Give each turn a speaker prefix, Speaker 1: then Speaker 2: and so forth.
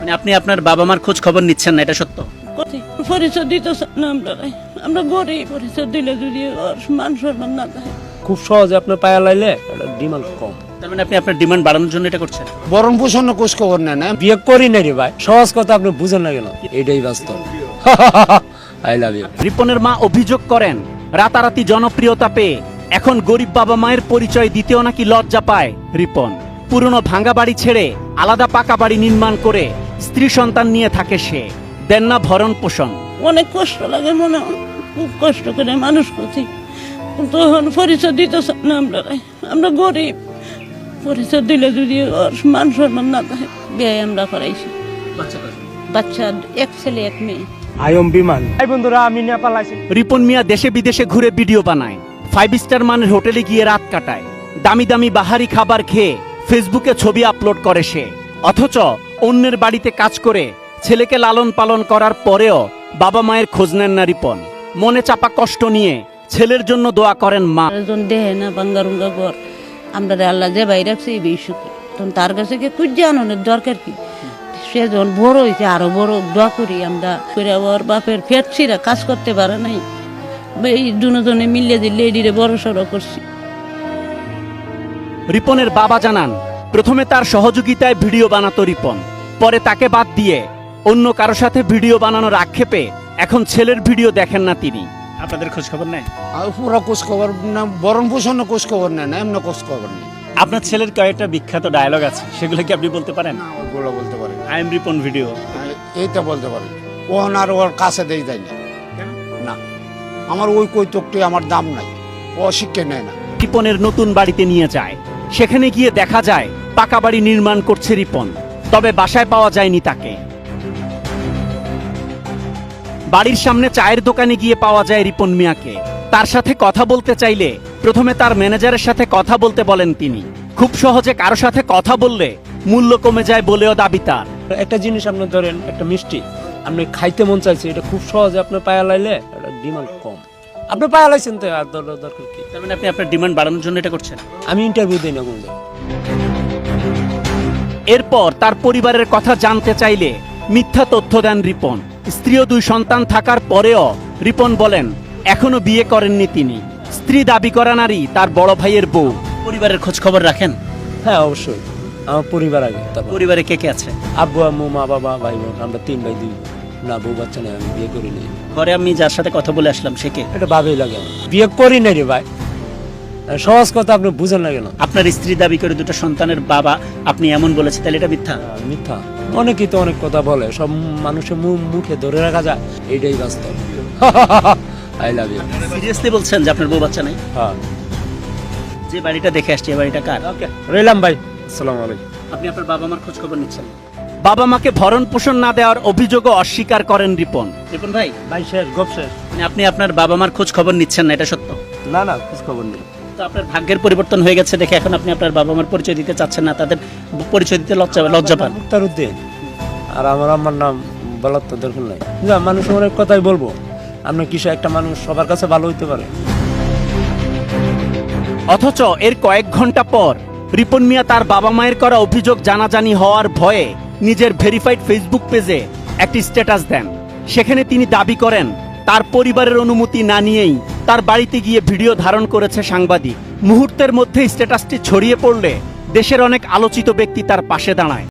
Speaker 1: মানে আপনি আপনার বাবা মার খোঁজ খবর নিচ্ছেন না, এটা সত্য?
Speaker 2: পরিচয় দিতেছে না, আমরা গরিব। পরিচয় দিলে যদি মান সম্মান না থাকে,
Speaker 3: খুব সহজে আপনার পায়া লাইলে এটা ডিমান্ড কম।
Speaker 1: তার মানে আপনি আপনার ডিমান্ড বাড়ানোর জন্য এটা করছেন?
Speaker 4: বরণ পোষণ খোঁজ খবর নেন না।
Speaker 3: বিয়ে করি না রে ভাই, সহজ কথা আপনি বুঝেন না কেন? এটাই বাস্তব। I love you.
Speaker 1: রিপনের মা অভিযোগ করেন, রাতারাতি জনপ্রিয়তা পেয়ে এখন গরিব বাবা মায়ের পরিচয় দিতেও নাকি লজ্জা পায় রিপন। পুরনো ভাঙা বাড়ি ছেড়ে আলাদা পাকা বাড়ি নির্মাণ করে স্ত্রী সন্তান নিয়ে থাকে সে। দেন না ভরণ পোষণ।
Speaker 2: অনেক কষ্ট লাগে, মনে হয় খুব কষ্ট করে মানুষ করছি, কিন্তু এখন পরিচয় দিতেছে না। আমরা গরিব। পরিচয় দিলে যদি মান সম্মান না থাকে, বিয়ে আমরা করাইছি। বাচ্চা এক ছেলে এক মেয়ে।
Speaker 3: আয়ম বিমান। এই বন্ধুরা, আমি নেপাল আছি।
Speaker 1: রিপন মিয়া দেশে বিদেশে ঘুরে ভিডিও বানায়, 5 স্টার মানের হোটেলে গিয়ে রাত কাটায়, দামি দামি বাহারি খাবার খেয়ে ফেসবুকে ছবি আপলোড করে সে। অথচ অন্যের বাড়িতে কাজ করে ছেলেকে লালন পালন করার পরেও বাবা মায়ের খোঁজ নেন না রিপন। মনে চাপা কষ্ট নিয়ে ছেলের জন্য দোয়া করেন মা।
Speaker 2: দেহে না বাঙ্গারুঙ্গা ঘর, আমরা আল্লাহ যে বাইরে রাখছে এই বেশি, তখন তার কাছে গিয়ে খুঁজে আনন্দের দরকার কি? সে যখন বড় হয়েছে আরো বড় দোয়া করি আমরা। করে ওর বাপের ফেটছিরা কাজ করতে পারে নাই, এই দুজনে মিলিয়ে দিয়ে লেডিরে বড় সড়ো করছি।
Speaker 1: রিপনের বাবা জানান, প্রথমে তার সহযোগিতায় ভিডিও বানাতো রিপন, পরে তাকে বাদ দিয়ে অন্য কারো সাথে ভিডিও বানানোর আক্ষেপে এখন ছেলের ভিডিও দেখেন না তিনি। আপনাদের খোঁজ খবর নেয়?
Speaker 4: পুরো খোঁজ খবর না, বরণ পোষণ খোঁজ খবর নেন না, এমন খোঁজ খবর নেই।
Speaker 1: আপনার ছেলের কয়েকটা বিখ্যাত ডায়লগ আছে, সেগুলো কি আপনি বলতে পারেন?
Speaker 4: ওগুলো বলতে পারে,
Speaker 1: আই এম রিপন ভিডিও,
Speaker 4: এইটা বলতে পারে। ওহন আর ওর কাছে দেই যায় না। না, আমার ওই কৈতকটি আমার দাম নাই, ও শিক্ষা নেয় না।
Speaker 1: রিপনের নতুন বাড়িতে নিয়ে যায়, সেখানে গিয়ে দেখা যায় পাকা বাড়ি নির্মাণ করছে রিপন, তবে বাসায় পাওয়া যায়নি তাকে। বাড়ির সামনে চায়ের দোকানে গিয়ে পাওয়া যায় রিপন মিয়াকে। তার সাথে কথা বলতে চাইলে প্রথমে তার ম্যানেজারের সাথে কথা বলতে বলেন তিনি। খুব সহজে কারো সাথে কথা বললে মূল্য কমে যায় বলেও দাবি তার।
Speaker 3: একটা জিনিস আপনি ধরেন, একটা মিষ্টি আপনি খাইতে মন চাইছে, এটা খুব সহজে আপনার পায়া লাইলে এটা ডিমান্ড কম। আপনি পায়া লাইছেন তো আর দরকার কি?
Speaker 1: তার মানে আপনি আপনার ডিমান্ড বাড়ানোর জন্য এটা করছেন?
Speaker 3: আমি ইন্টারভিউ দিই না কোনো।
Speaker 1: এরপর তার পরিবারের কথা জানতে চাইলে মিথ্যা তথ্য দেন রিপন। স্ত্রী ও 2 সন্তান থাকার পরেও রিপন বলেন এখনো বিয়ে করেননি তিনি। স্ত্রী দাবি করা নারী তার বড় ভাইয়ের বউ। পরিবারের খোঁজ খবর রাখেন?
Speaker 3: হ্যাঁ অবশ্যই, আমার পরিবার আগে। তারপর
Speaker 1: পরিবারে কে কে আছে?
Speaker 3: আব্বু আম্মু মা বাবা ভাই বোন, আমরা 3 ভাই 2 বোন। না বউ বাচ্চা নেই, আমি বিয়ে করি নাই।
Speaker 1: ঘরে আমি যার সাথে কথা বলে আসলাম সে কে?
Speaker 3: এটা ভাবেই লাগে আমার। বিয়ে করি নাই রে ভাই, সহজ কথা আপনি বুঝেন না কেন?
Speaker 1: আপনার স্ত্রী দাবি করে 2টা সন্তানের বাবা আপনি এমন বলেছে, তাহলে এটা মিথ্যা?
Speaker 3: মিথ্যা। অনেকেই তো অনেক কথা বলে, সব মানুষের মুখে ধরে রাখা যায়, এইটাই বাস্তব। I love you.
Speaker 1: সিরিয়াসলি বলছেন যে আপনার বউ বাচ্চা নাই?
Speaker 3: হ্যাঁ।
Speaker 1: যে বাড়িটা দেখে আসছে, এই বাড়িটা কার?
Speaker 3: ওকে, রইলাম ভাই, আসসালামু আলাইকুম।
Speaker 1: আপনি আপনার বাবা মার খোঁজ খবর নিচ্ছেন? বাবা মাকে ভরণ পোষণ না দেওয়ার অভিযোগও অস্বীকার করেন রিপন। রিপন ভাই,
Speaker 3: ভাই শেষ, গপ শেষ।
Speaker 1: মানে আপনি আপনার বাবা মার খোঁজ খবর নিচ্ছেন না, এটা সত্য?
Speaker 3: না না, খোঁজ খবর নেই।
Speaker 1: তো আপনার ভাগ্যের পরিবর্তন হয়ে গেছে দেখে এখন আপনি আপনার বাবা মার পরিচয় দিতে চাচ্ছেন না, তাদের পরিচয় দিতে লজ্জা পান?
Speaker 3: মুক্তারউদ্দিন, আর আমার আম্মার নাম বলার তো দরকার নাই। না, মানুষ অনেক কথাই বলবো, আপনার কিসে একটা মানুষ সবার কাছে ভালো হইতে পারে।
Speaker 1: অথচ এর কয়েক ঘন্টা পর রিপন মিয়া তার বাবা মায়ের করা অভিযোগ জানাজানি হওয়ার ভয়ে নিজের ভেরিফাইড ফেসবুক পেজে একটি স্ট্যাটাস দেন। সেখানে তিনি দাবি করেন তার পরিবারের অনুমতি না নিয়েই তার বাড়িতে গিয়ে ভিডিও ধারণ করেছে সাংবাদিক। মুহূর্তের মধ্যে স্ট্যাটাসটি ছড়িয়ে পড়লে দেশের অনেক আলোচিত ব্যক্তি তার পাশে দাঁড়ায়।